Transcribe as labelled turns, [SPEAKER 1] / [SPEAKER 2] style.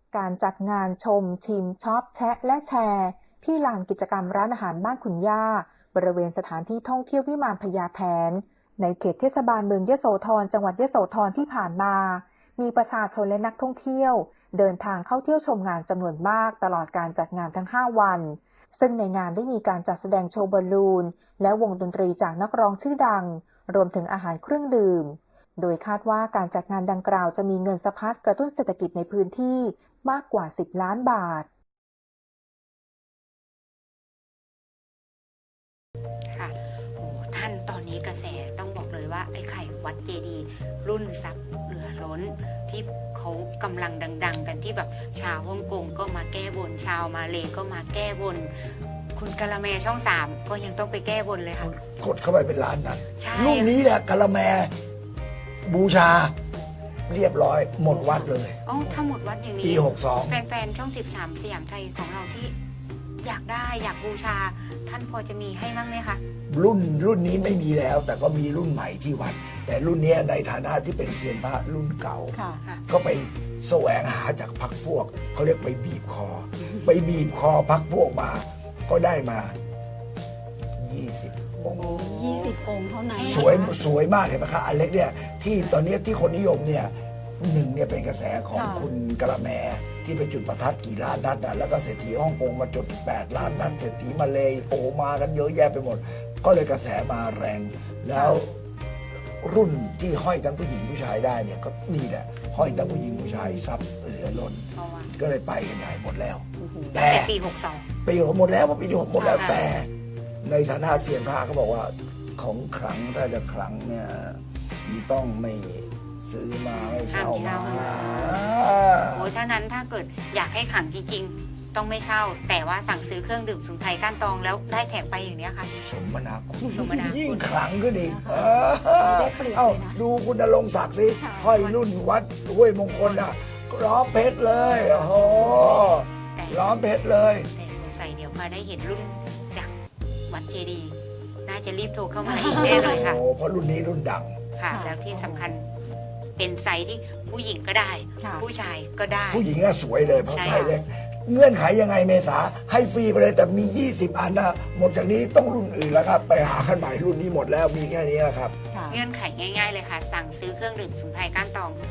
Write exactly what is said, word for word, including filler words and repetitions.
[SPEAKER 1] การจัดงานชมชิมช็อปแชะและแชร์ที่ลานกิจกรรมร้านอาหารบ้านขุนย่าบริเวณสถานที่ท่องเที่ยววิมานพญาแถนในเขตเทศบาลเมืองยโสธรจังหวัดยโสธรที่ผ่านมามีประชาชนและนักท่องเที่ยวเดินทางเข้าเที่ยวชมงานจำนวนมากตลอดการจัดงานทั้งห้าวันซึ่งในงานได้มีการจัดแสดงโชว์บอลลูนและวงดนตรีจากนักร้องชื่อดังรวมถึงอาหารเครื่องดื่มโดยคาดว่าการจัดงานดังกล่าวจะมีเงินสะพัดกระตุ้นเศรษฐกิจในพื้นที่มากกว่าสิบล้านบาท
[SPEAKER 2] ค่ะโอ้ท่านตอนนี้กระแสต้องบอกเลยว่าไอ้ไข่วัดเจดีย์รุ่นซับเหลือล้นที่เขากำลังดังๆกันที่แบบชาวฮ่องกงก็มาแก้บนชาวมาเลก็มาแก้บนคุณกะละแมช่องสามก็ยังต้องไปแก้บนเลยค่ะ
[SPEAKER 3] กดเข้าไปเป็นล้านนัด
[SPEAKER 2] ใช่
[SPEAKER 3] รุ่นนี้แหละกะละแมบูชาเรียบร้อยหมดวัดเลย
[SPEAKER 2] อ๋อถ้าหมดวัดอย่างนี้
[SPEAKER 3] ปีหกสอง
[SPEAKER 2] แฟนๆช่องสิบสามสยามไทยของเราที่อยากได้อยากบูชาท่านพอจะมีให้บ้างไหมคะ
[SPEAKER 3] รุ่นรุ่นนี้ไม่มีแล้วแต่ก็มีรุ่นใหม่ที่วัดแต่รุ่นนี้ในฐานะที่เป็นเซียนพระรุ่นเก่าก็ไปแสวงหาจากพรรคพวกเขาเรียกไปบีบคอไปบีบคอพรรคพวกมาก็ได้มายี่สิบองค์
[SPEAKER 4] ยี่สิบองค์เท่านั้น
[SPEAKER 3] สวยสวยมากเห็นไหมคะอันเล็กเนี่ยที่ตอนนี้ที่คนนิยมเนี่ยหนึ่งเนี่ยเป็นกระแสของคุณกะละแมที่ไปจุดประทัดกี่ล้านนัดนะแล้วก็เศรษฐีฮ่องกงมาจุดแปดล้านนัดเศรษฐีมาเลยโอ้มากันเยอะแยะไปหมดก็เลยกระแสมาแรงแล้วรุ่นที่ห้อยทั้งผู้หญิงผู้ชายได้เนี่ยก็นี่แหละห้อยทั้งผู้หญิงผู้ชายซับเหลือล้นก็เลยไปกันใหญ่หมดแล้ว
[SPEAKER 2] แต่ปีหกสอง
[SPEAKER 3] ปีหมดแล้วปีหกหมดแล้วแต่ในฐานะเซียนพระเขาบอกว่าของขลังถ้าจะขลังเนี่ยต้องไม่ซื้อมาไม่เช่ามา
[SPEAKER 2] โอ้ฉะนั้นถ้าเกิดอยากให้ขังจริงๆต้องไม่เช่าแต่ว่าสั่งซื้อเครื่องดื่มสมุนไพรก้านตองแล้วได้แถมไปอย่างนี้ค่ะ
[SPEAKER 3] สมนาคุณ
[SPEAKER 2] สมนาคุณ
[SPEAKER 3] ยิ่งขลังขึ้นอีกเอ้าดูคุณณรงค์ศักดิ์สิห้อยรุ่นวัดห้วยมงคลอ่ะล้อเพชรเลยโอ้โหล้อเพชรเลย
[SPEAKER 2] แต่สงสัยเดี๋ยวพอได้เห็นรุ่นจากวัดเจดีย์น่าจะรีบโทรเข้ามาอีกแน่เลยค่ะ
[SPEAKER 3] เพราะรุ่นนี้รุ่นดัง
[SPEAKER 2] ค่ะแล้วที่สำคัญเป็นไซส์ที่ผู้หญิงก็ได้ผู้ชายก็ได้
[SPEAKER 3] ผู้หญิงก็สวยเลยเพราะไซส์เล็กเงื่อนไขยังไงเมษาให้ฟรีไปเลยแต่มียี่สิบอันนะหมดจากนี้ต้องรุ่นอื่นแล้วครับไปหาขั้นใหม่รุ่นนี้หมดแล้วมีแค่นี้แหละครับ
[SPEAKER 2] เงื่อนไขง่ายๆเลยค่ะสั่งซื้อเครื่องดื่มสมุนไพรก้านตอง